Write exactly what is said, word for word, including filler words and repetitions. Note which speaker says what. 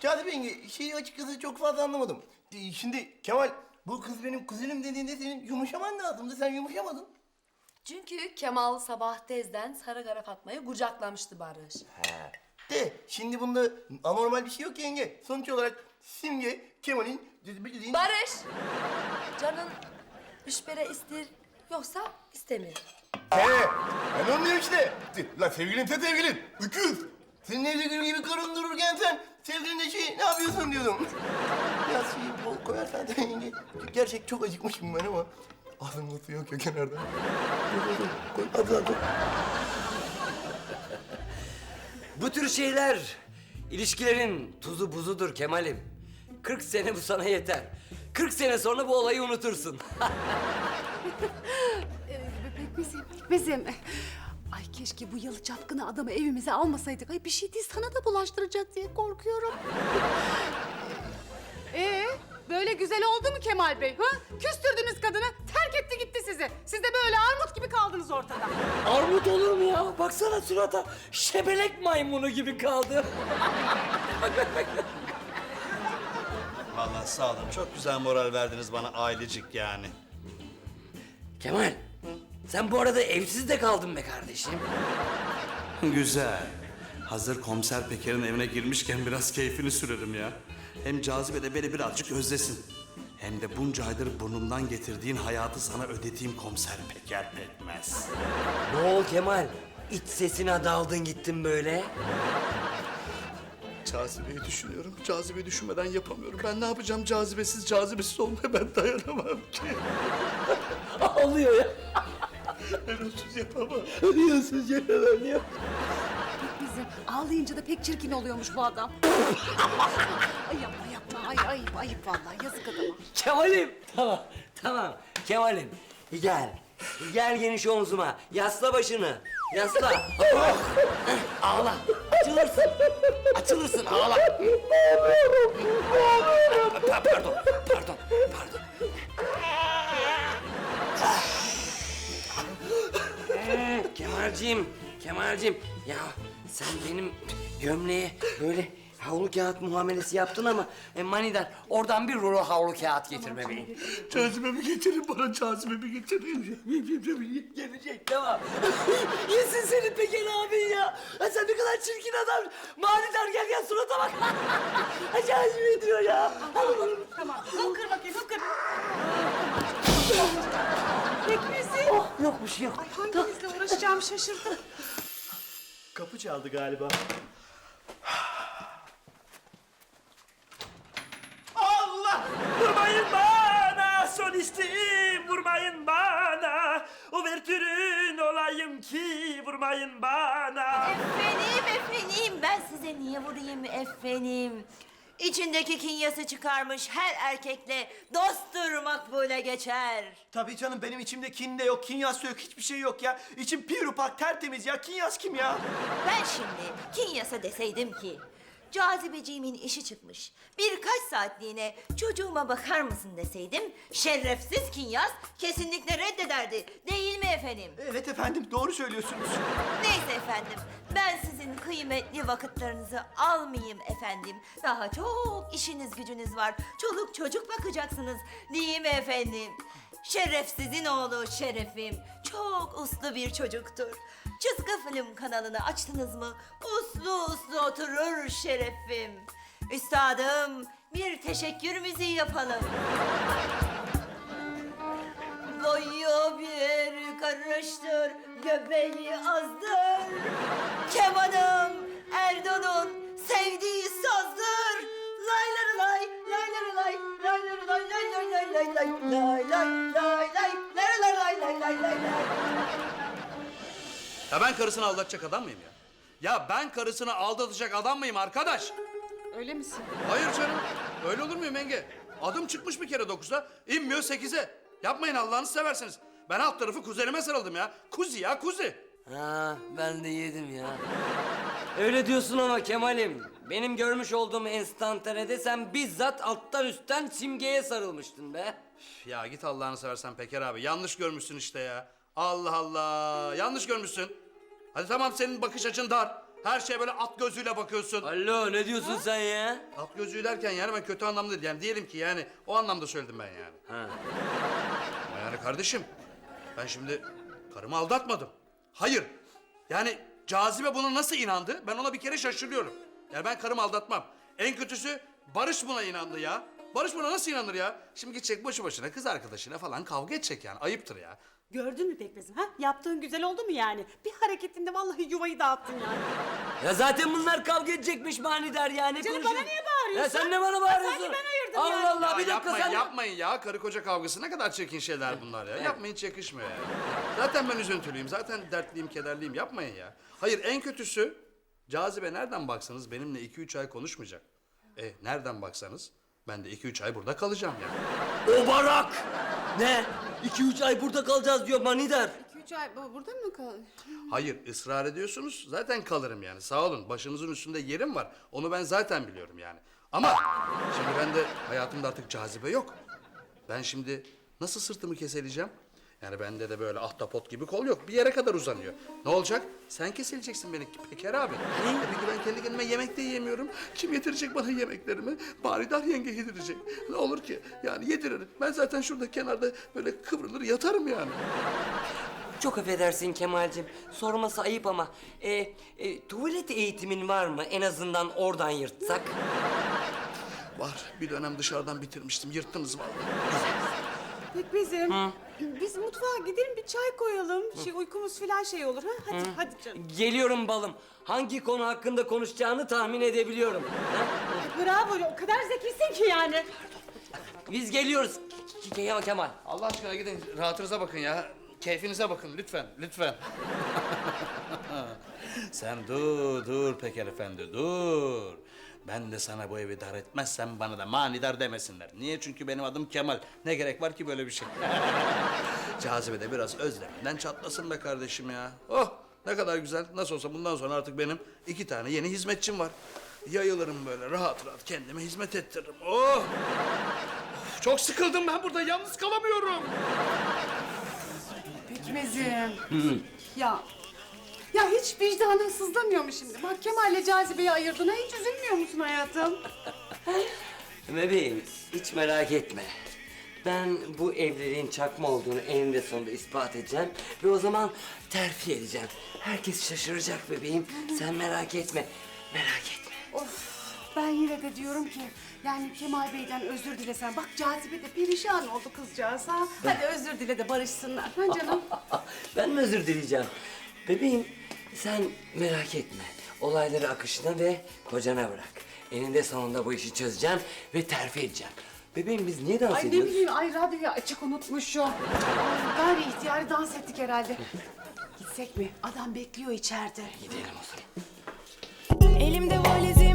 Speaker 1: Cazibe yenge, şeyi açıkçası çok fazla anlamadım. Ee, Şimdi Kemal, bu kız benim kuzenim dediğinde senin yumuşaman lazımdı. Sen yumuşamadın.
Speaker 2: Çünkü Kemal sabah tezden Sarıkara Fatma'yı kucaklamıştı Barış.
Speaker 1: He. De, şimdi bunda anormal bir şey yok ki yenge. Sonuç olarak Simge, Kemal'in... bildiğin-
Speaker 2: Barış! Canın müşbere ister yoksa istemiyor.
Speaker 1: He, ben onu diyorum işte. Lan sevgilinse sevgilin, öküz. Senin evde gül gibi karın dururken sen sevgilinle şey ne yapıyorsun diyordum. Biraz şeyi bol koyarsan da yenge. Gerçek çok acıkmışım ben ama ağzımda su yok ya kenarda. Koy, koy, koy, hadi hadi.
Speaker 3: Bu tür şeyler ilişkilerin tuzu buzudur Kemal'im. Kırk sene bu sana yeter. Kırk sene sonra bu olayı unutursun.
Speaker 4: Pekmezim, pekmezim. Ay keşke bu yalı çapkını adamı evimize almasaydık. Ay bir şey değil sana da bulaştıracak diye korkuyorum. Ee, böyle güzel oldu mu Kemal Bey? Ha? Küstürdünüz kadını, terk etti gitti sizi. Siz de böyle armut gibi kaldınız ortada.
Speaker 3: Armut olur mu ya? Baksana surata. Şebelek maymunu gibi kaldı.
Speaker 5: Vallahi sağ olun. Çok güzel moral verdiniz bana ailecik yani.
Speaker 3: Kemal, sen bu arada evsiz de kaldın be kardeşim.
Speaker 5: Güzel. Hazır komiser Peker'in evine girmişken biraz keyfini sürerim ya. Hem Cazibe de beni birazcık özlesin. Hem de bunca aydır burnumdan getirdiğin hayatı sana ödediğim komiser Peker Pekmez.
Speaker 3: Ne ol Kemal? İç sesine daldın gittin böyle.
Speaker 5: Cazibeyi düşünüyorum. Cazibeyi düşünmeden yapamıyorum. Ben ne yapacağım cazibesiz, cazibesiz olmaya ben dayanamam ki.
Speaker 3: Ağlıyor ya.
Speaker 5: Ben onsuz yapamam.
Speaker 3: Ölüyorsun Celal ya.
Speaker 4: Pekmezim, ağlayınca da pek çirkin oluyormuş bu adam. Ay yapma yapma, ay ayıp ayıp vallahi yazık adama.
Speaker 3: Kemal'im. Tamam, tamam. Kemal'im. Gel. Gel geniş omzuma. Yasla başını. Yasla. Oh. Ağla. Açılırsın. Açılırsın. Ağla. Pa- Pardon. Pardon. Pardon. Kemalciğim. Kemalciğim. Ya sen benim gömleğe böyle havlu kağıt muamelesi yaptın ama e, manidar oradan bir rulo havlu kağıt getir bebeğim.
Speaker 5: Cazibemi getirin bana, cazibemi getirin.
Speaker 3: Gelecek tamam. Yesin seni Peker abin ya. Ha, sen ne kadar çirkin adam. Manidar gel gel surata bak. Acayip ediyor ya.
Speaker 4: Tamam, hıpkır bakayım hıpkır. Pekmezim.
Speaker 3: Oh, yok bir şey yok.
Speaker 4: Ay hanginizle uğraşacağımı şaşırdım.
Speaker 5: Kapı çaldı galiba.
Speaker 6: Allah! Vurmayın bana solistim, vurmayın bana. Uvertürün olayım ki vurmayın bana.
Speaker 7: Efendim, efendim. Ben size niye vurayım efendim? İçindeki kinyası çıkarmış her erkekle dosttur makbule geçer.
Speaker 6: Tabii canım benim içimde kin de yok, kinyas da yok, hiçbir şey yok ya. İçim pirupak tertemiz ya, kinyas kim ya?
Speaker 7: Ben şimdi kinyasa deseydim ki... Cazibeciğimin işi çıkmış. Birkaç saatliğine çocuğuma bakar mısın deseydim... ...şerefsiz kinyas kesinlikle reddederdi. Değil mi efendim?
Speaker 6: Evet efendim, doğru söylüyorsunuz.
Speaker 7: Neyse efendim, ben sizin kıymetli vakitlerinizi almayayım efendim. Daha çok işiniz gücünüz var. Çoluk çocuk bakacaksınız, değil mi efendim? Şerefsizin oğlu Şerefim çok uslu bir çocuktur. Çizgi film kanalını açtınız mı uslu uslu oturur Şerefim. Üstadım, bir teşekkür müziği yapalım. Boyu bir karıştır, göbeği azdır. Kemanım Erdoğan'ın sevdiği sazdır. Lay lay lay, lay lay lay, lay lay lay lay lay lay lay lay lay lay lay lay lay lay lay lay lay.
Speaker 5: Ya ben karısını aldatacak adam mıyım ya? Ya ben karısını aldatacak adam mıyım arkadaş?
Speaker 4: Öyle misin?
Speaker 5: Hayır canım. Öyle olur muyum yenge? Adım çıkmış bir kere dokuzda, inmiyor sekize. Yapmayın Allah'ınızı seversiniz. Ben alt tarafı kuzenime sarıldım ya. Kuzi ya kuzi.
Speaker 3: Ha, ben de yedim ya. Öyle diyorsun ama Kemal'im. Benim görmüş olduğum enstantanede sen bizzat alttan üstten Simge'ye sarılmıştın be.
Speaker 5: Ya git Allah'ını seversen Peker abi. Yanlış görmüşsün işte ya. Allah Allah. Yanlış görmüşsün. Hadi tamam senin bakış açın dar. Her şeye böyle at gözüyle bakıyorsun.
Speaker 3: Alo ne diyorsun sen ya?
Speaker 5: At gözüyle derken yani ben kötü anlamda değil. Yani diyelim ki yani o anlamda söyledim ben yani.
Speaker 3: Ha.
Speaker 5: Ama yani kardeşim ben şimdi karımı aldatmadım. Hayır. Yani Cazibe buna nasıl inandı? Ben ona bir kere şaşırıyorum. Yani ben karımı aldatmam. En kötüsü Barış buna inandı ya. Barış buna nasıl inanır ya? Şimdi gidecek boşu boşuna kız arkadaşıyla falan kavga edecek yani. Ayıptır ya.
Speaker 8: Gördün mü Pekmez'im ha? Yaptığın güzel oldu mu yani? Bir hareketinde vallahi yuvayı dağıttın yani.
Speaker 3: Ya zaten bunlar kavga edecekmiş manidar yani.
Speaker 8: Canım,
Speaker 3: konuşun.
Speaker 8: bana niye bağırıyorsun?
Speaker 3: Ya sen ne bana bağırıyorsun?
Speaker 8: sanki ben ayırdım
Speaker 3: Allah
Speaker 8: yani.
Speaker 3: Allah
Speaker 5: Ya
Speaker 3: bir dakika
Speaker 5: yapmayın,
Speaker 3: sen.
Speaker 5: yapmayın ya. Karı koca kavgası ne kadar çirkin şeyler bunlar ya. Yapmayın, hiç yakışmıyor ya. Zaten ben üzüntülüyüm, zaten dertliyim, kederliyim. Yapmayın ya. Hayır, en kötüsü Cazibe nereden baksanız benimle iki üç ay konuşmayacak. E nereden baksanız ben de iki üç ay burada kalacağım yani.
Speaker 3: O barak! Ne? İki üç ay burada kalacağız diyor manidar.
Speaker 4: İki üç ay bu- burada mı kal?
Speaker 5: Hayır, ısrar ediyorsunuz. Zaten kalırım yani. Sağ olun. Başınızın üstünde yerim var. Onu ben zaten biliyorum yani. Ama şimdi ben de hayatımda artık Cazibe yok. Ben şimdi nasıl sırtımı keseleyeceğim? Yani bende de böyle ahtapot gibi kol yok. Bir yere kadar uzanıyor. Ne olacak? Sen kesileceksin beni Peker abi. E peki ben kendi kendime yemek de yiyemiyorum. Kim yedirecek bana yemeklerimi? Baridar yenge yedirecek. Ne olur ki? Yani yediririm. Ben zaten şurada kenarda böyle kıvrılır yatarım yani.
Speaker 3: Çok affedersin Kemal'cim. Sorması ayıp ama e, e, tuvalet eğitimin var mı? En azından oradan yırtsak.
Speaker 5: Var. Bir dönem dışarıdan bitirmiştim. Yırttınız vallahi.
Speaker 8: Pekmez'im biz mutfağa gidelim bir çay koyalım. Şey, uykumuz falan şey olur ha. Hadi hadi canım.
Speaker 3: Geliyorum balım. Hangi konu hakkında konuşacağını tahmin edebiliyorum. Ha?
Speaker 8: Bravo o kadar zekisin ki yani.
Speaker 3: Biz geliyoruz. Kemal Kemal.
Speaker 5: Allah aşkına gidin rahatınıza bakın ya. Keyfinize bakın lütfen, lütfen. Sen dur, dur Peker Efendi, dur. Ben de sana bu evi dar etmezsem bana da manidar demesinler. Niye? Çünkü benim adım Kemal. Ne gerek var ki böyle bir şey? Cazibe de biraz özleminden çatlasın be kardeşim ya. Oh ne kadar güzel. Nasıl olsa bundan sonra artık benim iki tane yeni hizmetçim var. Yayılırım böyle rahat rahat kendime hizmet ettiririm. Oh! Of, çok sıkıldım ben burada. Yalnız kalamıyorum.
Speaker 4: Pekmezim. Ya. Ya hiç vicdanın sızlamıyor mu şimdi? Bak Kemal'le Cazibe'yi ayırdın ha, hiç üzülmüyor musun hayatım?
Speaker 3: Bebeğim hiç merak etme. Ben bu evliliğin çakma olduğunu eninde sonunda ispat edeceğim. Ve o zaman terfi edeceğim. Herkes şaşıracak bebeğim. Sen merak etme. Merak etme.
Speaker 4: Of, ben yine de diyorum ki yani Kemal Bey'den özür dilesen. Bak Cazibe de perişan oldu kızcağız ha. Hadi özür dile de barışsınlar. Ha canım?
Speaker 3: Ben mi özür dileyeceğim? Bebeğim sen merak etme. Olayları akışına ve kocana bırak. Eninde sonunda bu işi çözeceğim ve terfi edeceğim. Bebeğim biz niye dans
Speaker 4: Ay ne
Speaker 3: ediyoruz?
Speaker 4: bileyim, ay radyoyu açık unutmuşum. Ay, gayri ihtiyari dans ettik herhalde. Gitsek mi? Adam bekliyor içeride.
Speaker 3: Gidelim o zaman.
Speaker 9: Elimde valizim